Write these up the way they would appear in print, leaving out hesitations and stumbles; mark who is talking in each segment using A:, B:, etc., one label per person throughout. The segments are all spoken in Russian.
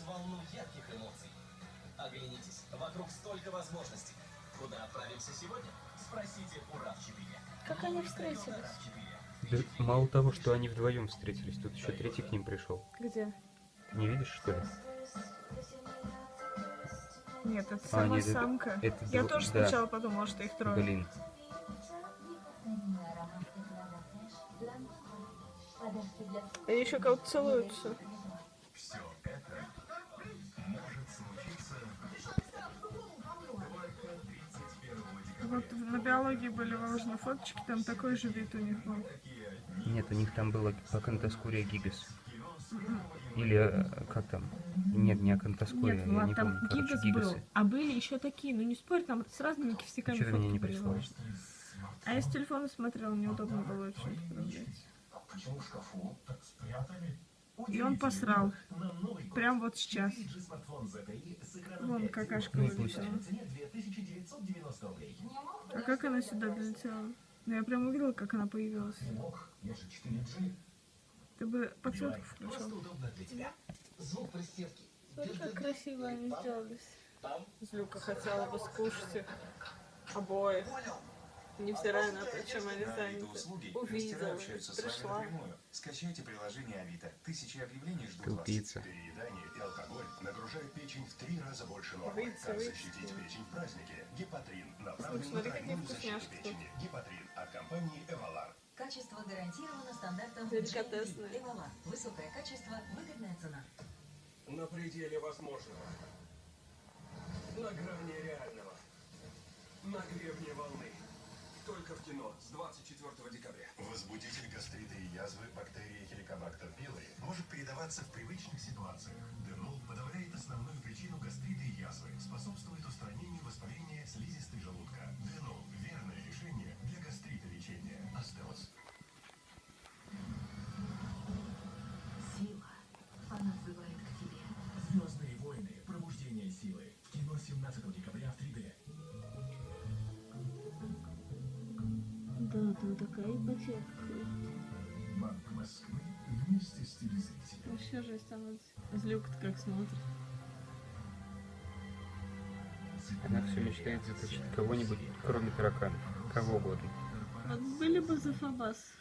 A: волну ярких эмоций. Оглянитесь, вокруг столько возможностей. Куда отправимся сегодня? Спросите у RAV4.
B: Как они встретились?
C: Да, мало того, что они вдвоем встретились, тут еще третий к ним пришел.
B: Где?
C: Ты не видишь, что ли?
B: Нет, это
C: А,
B: сама
C: нет,
B: самка.
C: это
B: Я
C: дво-
B: тоже
C: да.
B: сначала подумала, что их трое.
C: Блин.
B: Они еще кого-то целуются.
D: Все это может случиться только 31 декабря.
B: Вот на биологии были выложены фоточки, там такой же вид у них был.
C: Нет, у них там было Акантоскурия гигас. Или как там? Нет, не Акантоскурия,
B: Нет,
C: я
B: Влад,
C: не
B: там
C: помню. Короче,
B: гигас
C: гигасы.
B: был. А были еще такие, ну не спорь, там с разными кисяками
C: Что-то
B: фотки
C: мне не
B: были
C: пришло.
B: выложены. А я с телефона смотрела, неудобно было очень отправлять.
D: Почему в шкафу так спрятали?
B: И он посрал.
D: На Новый год.
B: Прям вот сейчас.
D: LG смартфон ZTE с экраном
B: Вон
D: 5,7
B: какашка
C: Ну,
B: вылетела.
D: по цене 2990 рублей.
B: А как она сюда долетела? Ну я прям увидела, как она появилась.
D: Не мог, я же 4G.
B: Ты бы подсветку
D: Просто
B: включил.
D: удобно для тебя. Звук пристевки.
B: Смотри, как красиво они сделались. Злюка хотела бы скушать их обоих. Невзирая на то, чем они заняты. Увидела, пришла.
E: Скачайте приложение Авито. Тысячи объявлений ждут вас.
C: Тупица.
D: Переедание и алкоголь нагружают печень в 3 раза больше нормы.
B: Выйти,
D: Как
B: выйти.
D: защитить печень в празднике? Гепатрин. Направлен на
B: Смотри, какие
D: тройную защиту
B: вкусняшки тут.
D: печени. Гепатрин от компании Эвалар.
F: Качество гарантировано стандартом
B: Деликатесное.
F: GMP. Эвалар. Высокое качество, выгодная цена.
G: На пределе возможного. На грани реального. На гребне волны. Только в кино с 24 декабря.
D: Возбудитель гастрита и язвы бактерии Helicobacter pylori может передаваться в привычных ситуациях. Денол подавляет основную причину гастрита и язвы, способствует устранению воспаления слизистой желудка. Денол – верное решение для гастрита лечения. Астеос.
F: Сила. Она взывает к тебе.
D: Звездные войны. Пробуждение силы. В кино 17 декабря в 3D.
B: Да, там такая ипотека.
D: Банк Москвы вместе с телезрителем.
B: Вообще жесть становится. Злюка-то как смотрит.
C: Она все мечтает заточить кого-нибудь, кроме тараканов. Кого угодно.
B: Вот были бы за Фабас.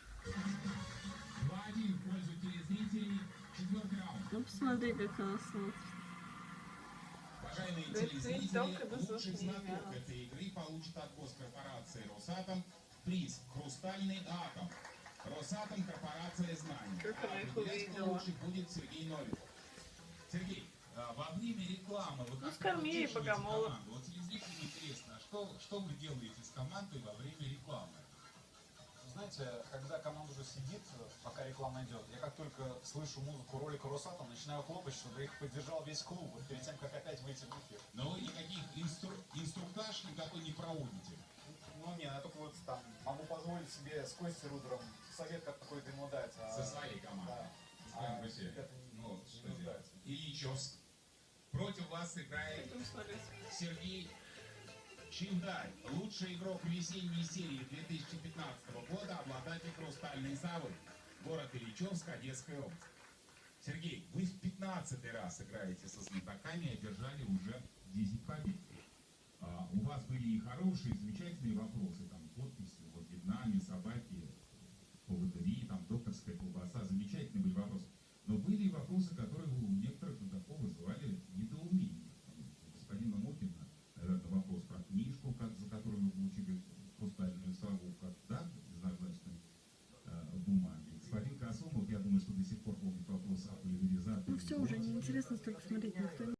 B: Ну посмотри, как она смотрит.
H: Уважаемые
B: Да,
H: телезрители,
B: только без
H: лучший
B: звука не
H: знаток
B: играла.
H: этой игры получит от госкорпорации «Росатом» приз «Хрустальный атом». «Росатом» — корпорация знаний.
B: Как она их
H: Определять, кто
B: увидела.
H: лучше будет Сергей Новиков. Сергей, во время рекламы вы как
B: скорми ей
H: утешиваете
B: богомола.
H: команду? Вот телезрителям интересно, а что вы делаете с командой во время рекламы?
I: Знаете, когда команда уже сидит, пока реклама идет, я как только слышу музыку ролика Росатом, начинаю хлопать, чтобы их поддержал весь клуб, вот перед тем, как опять выйти в эфир.
H: Но вы никаких инструктаж никакой не проводите.
I: Ну не, я только вот там могу позволить себе с Костей Рудером совет какой-то ему дать.
H: Со своей командой.
I: Да.
H: С кем вы
I: ребята
H: Ну,
I: не
H: что делать?
I: нуждаются.
H: Ильичевск. Против вас играет
B: Будем смотреть.
H: Сергей Чиндарь, лучший игрок весенней серии 2015 года, обладатель «Хрустальной совы». Город Ильичевск, Одесская область. Сергей, вы в 15-й раз играете со знатоками и одержали уже 10 побед. У вас были и хорошие, и замечательные вопросы, там подписи, вот Вьетнаме, собаки, поводыри, там докторская колбаса, замечательные были вопросы. Но были и вопросы, которые у некоторых знатоков вызывали недоумение. Господина Мокина, наверное, вопрос про книжку, за которую вы получили хрустальную сову, как да, безнажначной бумаги. Господин Косумов, я думаю, что до сих пор помнит вопрос о пульверизации.
B: Ну все, уже неинтересно столько смотреть, никто не